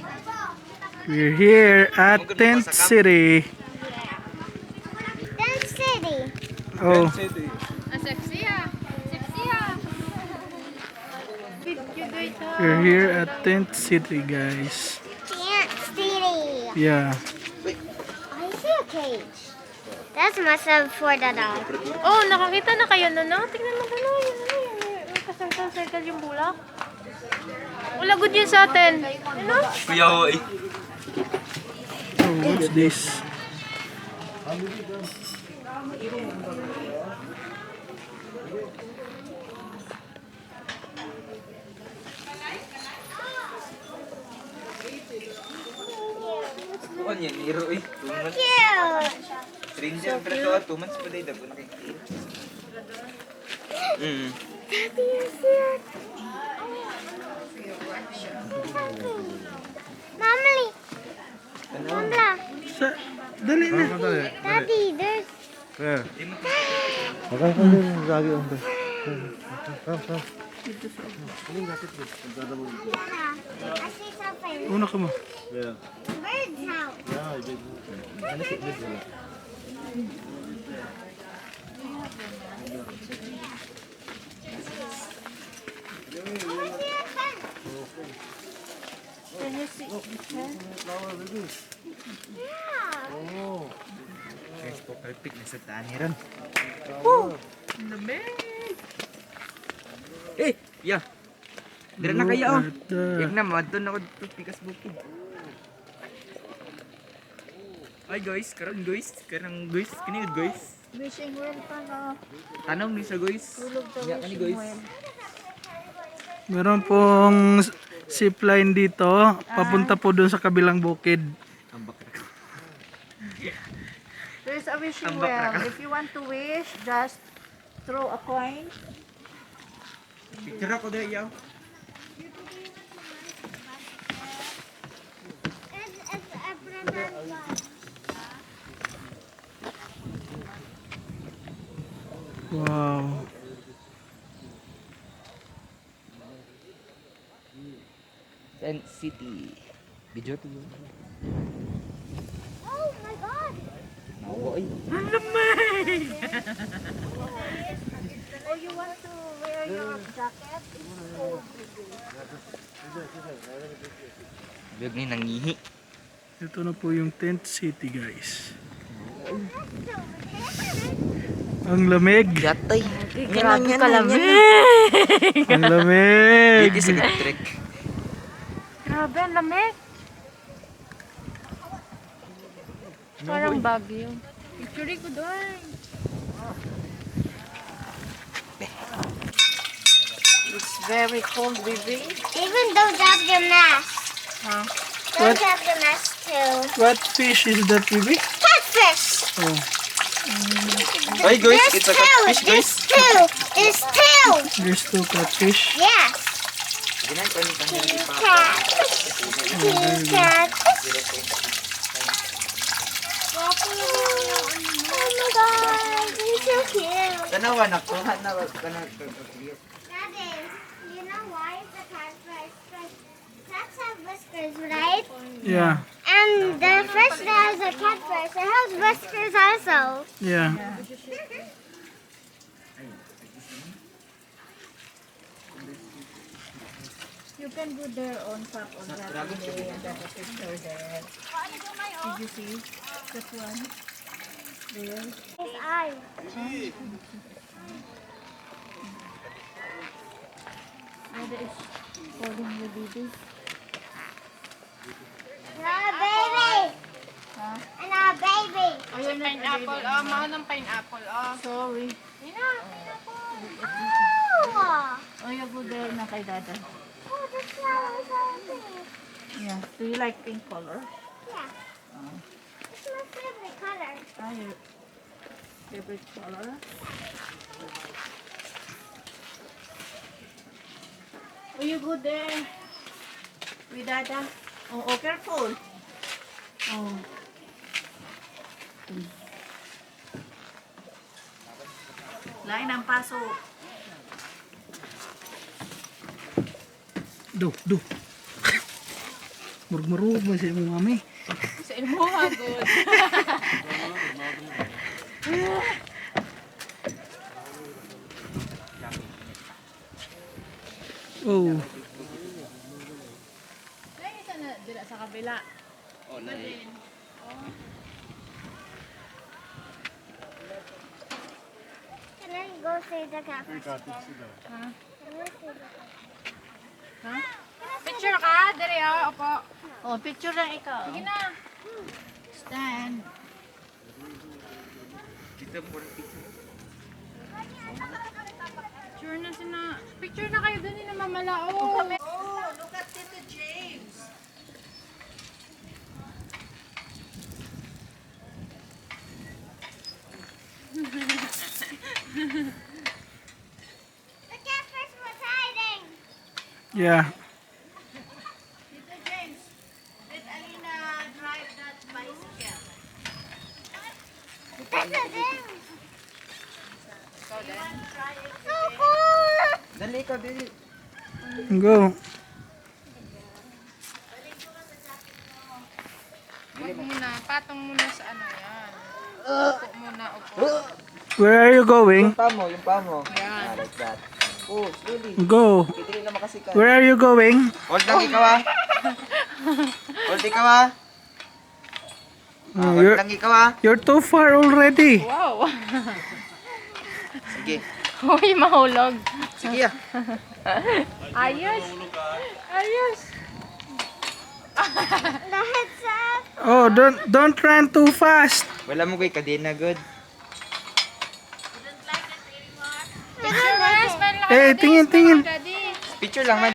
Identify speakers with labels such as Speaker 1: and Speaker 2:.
Speaker 1: We're here at Tent City.
Speaker 2: Tent City.
Speaker 1: Oh,
Speaker 3: Sexy ah. Sexy ah.
Speaker 1: we're here at Tent City, guys.
Speaker 2: Tent City.
Speaker 1: Yeah.
Speaker 2: I see a cage. That's must have for the dog.
Speaker 3: Oh, nakakita na kayo nun, no? Tingnan mo gano'n. May kasarkal-circle yung bulak. Wala good yun sa atin. Ano?
Speaker 4: Kuya ho eh.
Speaker 1: Oh, what's this?
Speaker 4: Kuan yan, hero eh. 2 months.
Speaker 2: Cute.
Speaker 4: Stranger pero to, 2 months pa day dapat kay.
Speaker 2: Daddy is here. Mommy. Mama.
Speaker 1: Sa, dali na.
Speaker 2: Daddy, there's.
Speaker 5: Where?
Speaker 2: Yeah. I see something.
Speaker 1: Una ka mo.
Speaker 5: Yeah.
Speaker 2: Bird's house.
Speaker 5: Yeah, I did.
Speaker 2: Yeah.
Speaker 4: Guys, po kalpik na sa taniran. Eh, ya. Dira na kaya oh.
Speaker 1: Look at
Speaker 4: Yak na madton ako dito pikas bukid. Ay guys, karon guys, kani guys.
Speaker 3: Wishing well pa na.
Speaker 4: Tanong ni sa guys. Ya kani guys.
Speaker 1: Meron pong zipline dito. Papunta po doon sa kabilang bukid.
Speaker 4: Ambak ra ka.
Speaker 3: There's a wishing
Speaker 4: Ambak na
Speaker 3: well.
Speaker 4: ka.
Speaker 3: If you want to wish, just throw a coin.
Speaker 4: Picture ako dahil yaw.
Speaker 2: It's a banana.
Speaker 1: Wow.
Speaker 4: Tent City. Video to yun.
Speaker 2: Oh my God.
Speaker 4: Nawa ay.
Speaker 3: Oh, you want to wear your jacket?
Speaker 4: Biyog ni nangihi.
Speaker 1: Ito na po yung Tent City, guys. Ang lamig.
Speaker 4: Yatay.
Speaker 3: Grabe ka lamig.
Speaker 1: Ang lamig.
Speaker 4: Dito sa electric.
Speaker 3: Grabe, ang lamig. Parang bagyo. Picture ko doon. It's very cold, baby.
Speaker 2: Even don't have your mask.
Speaker 3: Huh?
Speaker 2: Don't
Speaker 1: What?
Speaker 2: have the mask too.
Speaker 1: What fish is that, baby?
Speaker 2: Catfish.
Speaker 1: Oh.
Speaker 4: Ay guys,
Speaker 2: There's
Speaker 4: it's a
Speaker 2: two.
Speaker 4: catfish guys.
Speaker 2: There's two.
Speaker 1: There's two catfish.
Speaker 2: Yes.
Speaker 4: Ginan ko ni kanila di pa.
Speaker 2: Catfish. Catfish. Oh my God, he's so cute.
Speaker 4: Tanawa na ko, na kana.
Speaker 2: Daddy, you know why the catfish? Cats have whiskers, right?
Speaker 1: Yeah.
Speaker 2: And the fish that has a catfish, it has whiskers also.
Speaker 1: Yeah.
Speaker 3: You can go there on top of that day and have a picture there. Did you see that one? There.
Speaker 2: His eye.
Speaker 3: Dada is holding your baby.
Speaker 2: And our baby.
Speaker 3: Huh?
Speaker 2: And our baby.
Speaker 3: Ayun na pineapple. Mahal ng pineapple. Sorry.
Speaker 2: Oh,
Speaker 3: Oh, you go there na kay Dada.
Speaker 2: oh the flowers are pink.
Speaker 3: Yeah. Do you like pink color?
Speaker 2: Yeah. It's my favorite color.
Speaker 3: Your favorite color? Oh, you go there with Dada. Oh, careful. Oh. Lain ang paso.
Speaker 1: Do. Murug-murug mo sa imong mami.
Speaker 3: Sa ilmo ha, good.
Speaker 1: Oh.
Speaker 3: Ay, isa na dila sa kabila.
Speaker 2: Can I go see the cat first?
Speaker 3: Ha?
Speaker 2: Can I see the cat?
Speaker 3: Ha? Picture ka? Dere opo. Oh, picture lang ikaw. Sige na. Stand.
Speaker 4: Dito po ng picture.
Speaker 3: Picture na sina. Picture na kayo dun ni na mamalao.
Speaker 5: Oh, look at Tito James.
Speaker 2: The cat first was hiding.
Speaker 1: Yeah.
Speaker 5: Tito James, did Alina drive that bicycle?
Speaker 2: That's a thing.
Speaker 5: You want to try it?
Speaker 2: So cool.
Speaker 4: Dali ka, dali.
Speaker 1: Go.
Speaker 3: Wag muna. Patong muna sa ano yan. Upo muna, upo.
Speaker 1: Where are you going?
Speaker 4: Yung pa mo.
Speaker 3: Yan.
Speaker 4: Like that. Oh, slowly.
Speaker 1: Go.
Speaker 4: Hindi na makasikat.
Speaker 1: Where are you going?
Speaker 4: Hold lang ikaw ah. Hold ikaw ah.
Speaker 1: Oh,
Speaker 4: Hold
Speaker 1: you're,
Speaker 4: lang ikaw ah.
Speaker 1: you're too far already.
Speaker 3: Wow.
Speaker 4: Sige.
Speaker 3: Uy, mahulog.
Speaker 4: Sige ah.
Speaker 3: Ayos. Ayos.
Speaker 2: The head's up.
Speaker 1: Oh, don't run too fast.
Speaker 4: Wala mo kay kadena good.
Speaker 3: Picture mo na. Smile lang.
Speaker 1: Eh, tingin, tingin.
Speaker 3: Daddy.
Speaker 4: Picture lang man.